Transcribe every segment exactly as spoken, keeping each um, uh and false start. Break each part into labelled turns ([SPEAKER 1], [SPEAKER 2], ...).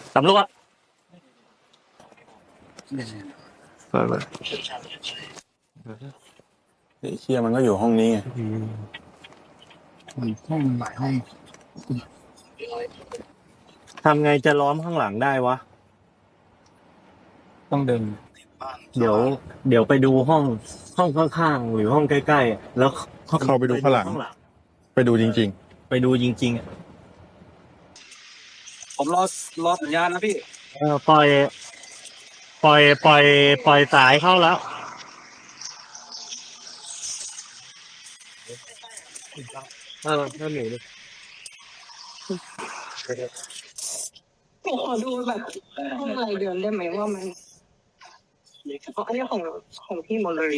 [SPEAKER 1] ตำรวจ
[SPEAKER 2] เปิดเลยไอ้เชี่ยมันก็อยู่ห้องนี้ไงห้องหลายห้อง
[SPEAKER 1] ทำไงจะล้อมข้างหลังได้วะ
[SPEAKER 2] ต้องเดิน
[SPEAKER 1] เดี๋ยว เดี๋ยวไปดูห้องห้องข้างๆหรือห้องใกล้ๆแล้ว
[SPEAKER 2] เข้าไปดูข้างหลังไปดูจริง
[SPEAKER 1] ๆไปดูจริงๆอ่ะ
[SPEAKER 3] ผมรอรอสัญญาณนะพี่
[SPEAKER 1] เออปล่อยปล่อยปล่อยปล่อยสายเข้าแล้วเออถ้าหนูดิ
[SPEAKER 4] ขอดูแบบห้องรายเดือนได้ไหมว่ามันอ๋ออันนี้ของของพี่หมดเลย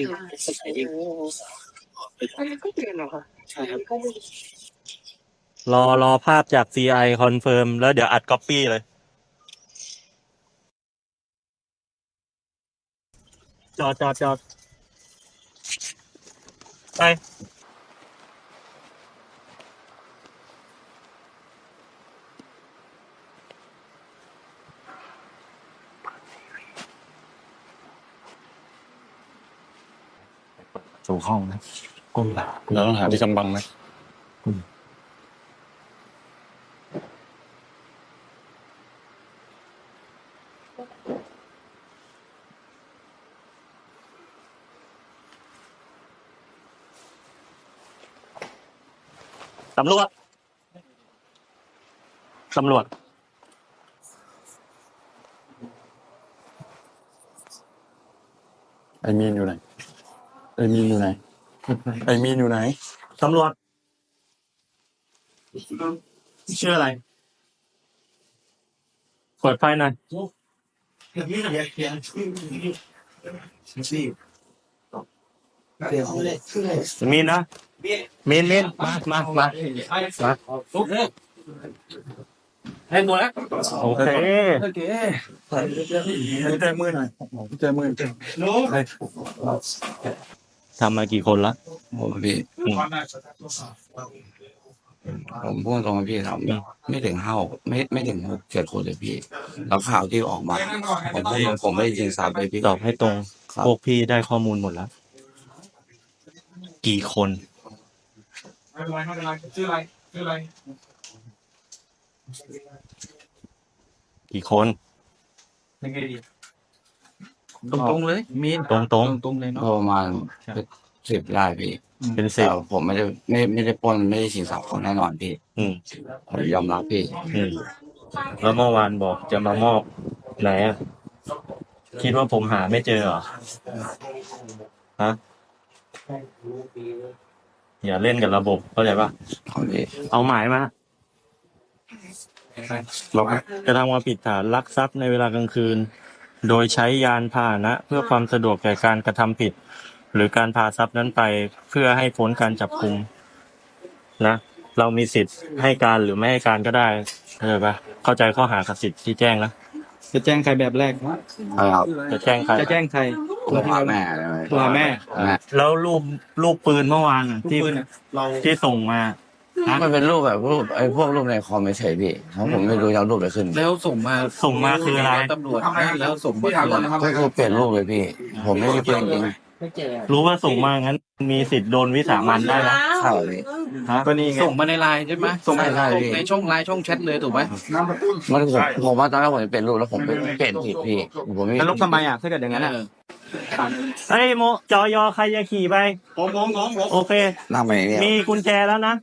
[SPEAKER 4] อันนี้ก็เดือนเหรอคะ
[SPEAKER 3] ใช่ครับ
[SPEAKER 1] รอรอภาพจาก ซี ไอ คอนเฟิร์มแล้วเดี๋ยวอัดก๊อปปี้เลยจอดจอดจอดไป
[SPEAKER 2] สู่ห้องนะก้มหลังเราต้องหาที่กำบังนะ
[SPEAKER 1] ตำรวจตำรวจ
[SPEAKER 2] ไอ้มีนอยู่ไหนไอ้มีนอยู่ไหนไอ้มีนอยู่ไหน
[SPEAKER 1] ตำรวจชื่ออะไรเปิดไฟหน่อยมีนนะมีนมีนมามามามาให้ตัวแล้วโอเค
[SPEAKER 2] โอเคใจมือหน่อยใจมือ
[SPEAKER 1] ทำมากี่คนละ
[SPEAKER 3] ผมพี่ผมพูดตรงๆพี่ทำไม่ถึงห้าไม่ไม่ถึงหกเจ็ดคนเลยพี่แล้วข่าวที่ออกมาผมพูดตรงผมไม่ได้ยินซ้ำเลยพี่
[SPEAKER 1] ตอบให้ตรงพวกพี่ได้ข้อมูลหมดแล้วกี่คนไม่เป็นไรไม่เป็นไรชื่ออะไรชื่ออะไรกี่คน
[SPEAKER 3] ยังไงดีตรงๆเลยมี
[SPEAKER 1] ตรงตรง
[SPEAKER 3] ตรงเลยเนาะประมาณสิบได้พี่
[SPEAKER 1] เป็นสิบ
[SPEAKER 3] ผมไม่ได้ไม่ไม่ได้ปล้นไม่ได้ชิงทรัพย์คนแน่นอนพี่
[SPEAKER 1] อืม
[SPEAKER 3] ผมยอมรับพี่
[SPEAKER 1] อืมแล้วเมื่อวานบอกจะมามอบไหนอ่ะคิดว่าผมหาไม่เจอเหรอฮะอย่าเล่นกับระบบเข้าใจปะเอาหมายมาเรากระทำความผิดฐานลักทรัพย์ในเวลากลางคืนโดยใช้ยานพาหนะเพื่อความสะดวกแก่การกระทำผิดหรือการพาทรัพย์นั้นไปเพื่อให้พ้นการจับกุมนะเรามีสิทธิ์ให้การหรือไม่ให้การก็ได้เข้าใจปะเข้าใจข้อหากับสิทธิ์ที่แจ้งนะ
[SPEAKER 5] จะแจ้งใครแบบแรก
[SPEAKER 3] ครับ
[SPEAKER 1] จะแจ้งใคร
[SPEAKER 5] จะแจ้งใคร
[SPEAKER 3] ตัวแม่
[SPEAKER 5] ตัวแม่
[SPEAKER 1] แล้วรูปรูปปืนเมื่อวานที่เราที่ส่งมา
[SPEAKER 3] มันเป็นรูปแบบรูปไอ้พวกรูปในคอมไม่เฉยพี่เพราะผมไม่รู้จะเอารูปอะไรขึ้น
[SPEAKER 5] แล้วส่งมา
[SPEAKER 1] ส่งมาคืออะไร
[SPEAKER 5] ตำรวจแล้วส่งมา
[SPEAKER 3] ก็คือเปลี่ยนรูปเลยพี่ผมไม่ได้เปลี่ยนจริง
[SPEAKER 1] รู้ว่าส่งมางั้นมีสิทธิ์โดนวิสามันได้นะ
[SPEAKER 3] ใช่เลย
[SPEAKER 5] ก็นี่ส่งมาในไลน์ใช่ไหมส่งในช่องไลน์ช่องแชทเลยถูกไหม
[SPEAKER 3] มันผมผมว่าตอนแรกผมจะเปลี่ยนรูปแล้วผมเปลี่ยนผิดพี่ผมไม่
[SPEAKER 5] แล้วทำไมอ่ะถ้าเกิดอย่างนั้นอ่ะ
[SPEAKER 1] เฮ้ยโมจอยอใครจะขี่ไป
[SPEAKER 5] ผมผมผมผม
[SPEAKER 1] โอเค
[SPEAKER 3] นั่งไปเนี่ย
[SPEAKER 1] มีกุญแจแล้วนะ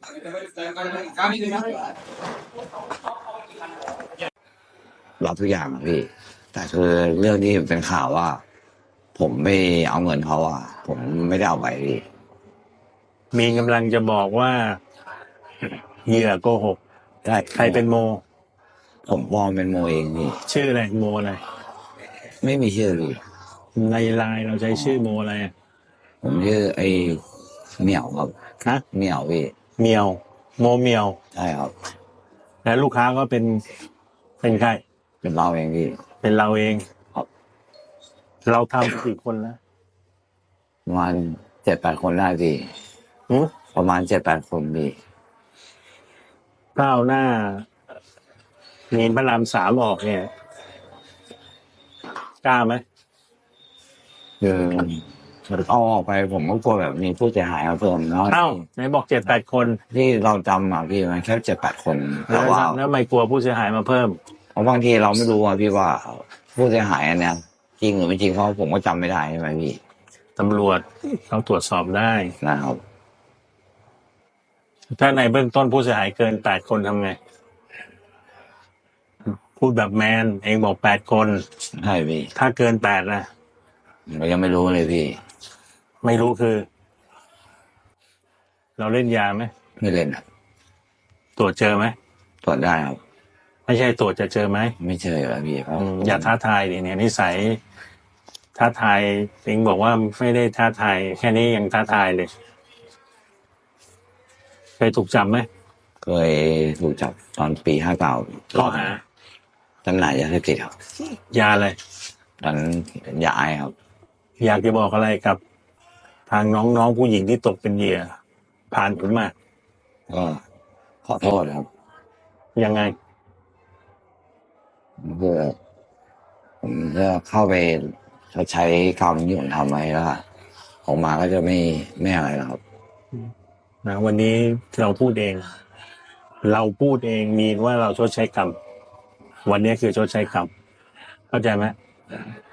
[SPEAKER 3] รับทุกอย่างพี่แต่คือเรื่องที่เป็นข่าวว่าผมไม่เอาเงินเขาอ่ะผมไม่ได้เอาไปพี่
[SPEAKER 1] มีกำลังจะบอกว่าเหยื่อโกหก
[SPEAKER 3] ใช่
[SPEAKER 1] ใครเป็นโม
[SPEAKER 3] ผมปลอมเป็นโมเองพี่
[SPEAKER 1] ชื่ออะไรโมอะไร
[SPEAKER 3] ไม่มีชื่อพี่
[SPEAKER 1] ในไลน์เราใช้ชื่อโมอะไร
[SPEAKER 3] ผมชื่อไอ้เหมียวครับ
[SPEAKER 1] ฮะ
[SPEAKER 3] เหมียวพี่
[SPEAKER 1] เหมียวโมเหมียว
[SPEAKER 3] ใช่ครับ
[SPEAKER 1] แล้วลูกค้าก็เป็นเป็นใคร
[SPEAKER 3] เป็นเราเองพี่
[SPEAKER 1] เป็นเราเองเราทำกี่คนแล้ว
[SPEAKER 3] ประมาณเจ็ดแปดคนได้พี่ประมาณเจ็ดแปดคนพี่
[SPEAKER 1] ก้าวหน้าเงินพระรามสามออกเนี่ย
[SPEAKER 6] กล้าไหม
[SPEAKER 3] คือเอาออกไปผมก็กลัวแบบมีผู้เสียหายมาเพิ่มเนาะ
[SPEAKER 6] เอ้าไหนบอกเจ็ดแปดคน
[SPEAKER 3] ที่เราจำอ่ะพี่มันแค่เจ็ดแปดคน
[SPEAKER 6] แล้
[SPEAKER 3] แต่
[SPEAKER 6] ว
[SPEAKER 3] ว่า
[SPEAKER 6] แล้วไม่กลัวผู้เสียหายมาเพิ่ม
[SPEAKER 3] เพราะบางทีเราไม่รู้อ่ะพี่ว่าผู้เสียหายอันเนี้ยจริงหรือไม่จริงเพราะผมก็จำไม่ได้ใช่ไหมพี่
[SPEAKER 6] ตำรวจต้องตรวจสอบได้
[SPEAKER 3] นะครับ
[SPEAKER 6] ถ้าในเบื้องต้นผู้เสียหายเกินแปดคนทำไง พูดแบบแมน เองบอกแปดคน
[SPEAKER 3] ใช่พี่
[SPEAKER 6] ถ้าเกินแปดนะ
[SPEAKER 3] เรายังไม่รู้เลยพี่
[SPEAKER 6] ไม่รู้คือ เราเล่นยาไหม
[SPEAKER 3] ไม่เล่นครับ
[SPEAKER 6] ตรวจเจอไหม
[SPEAKER 3] ตรวจได้ครับ
[SPEAKER 6] ไม่ใช่ตรวจจะเจอไหม
[SPEAKER 3] ไม่เจอแล้วพี่เพราะ
[SPEAKER 6] อืมอย่าท้าทายดิเนี่ยนิสัยท้าทายเองบอกว่าไม่ได้ท้าทายแค่นี้ยังท้าทายเลย เคยถูกจับไหม
[SPEAKER 3] เคยถูกจับตอนปีห้าเก้า
[SPEAKER 6] ข้อหา
[SPEAKER 3] จำหน่ายยาเสพติดครับ
[SPEAKER 6] ยาอะไร
[SPEAKER 3] ตอนนั้นยาไอครับ
[SPEAKER 6] อยากจะบอกอะไรกับ ทางน้องๆผู้หญิงที่ตกเป็นเหยื่อ ผ่านผมมา
[SPEAKER 3] ก็ขอโทษครับ
[SPEAKER 6] ยังไง
[SPEAKER 3] เพื่อผมจะเข้าไปชดใช้กรรมที่ผมทำไว้แล้วอะออกมาก็จะไม่ไม่อะไรแล้วครับ
[SPEAKER 6] นะวันนี้เราพูดเอง เราพูดเองมีว่าเราชดใช้กรรม วันนี้คือชดใช้กรรม เข้าใจไหม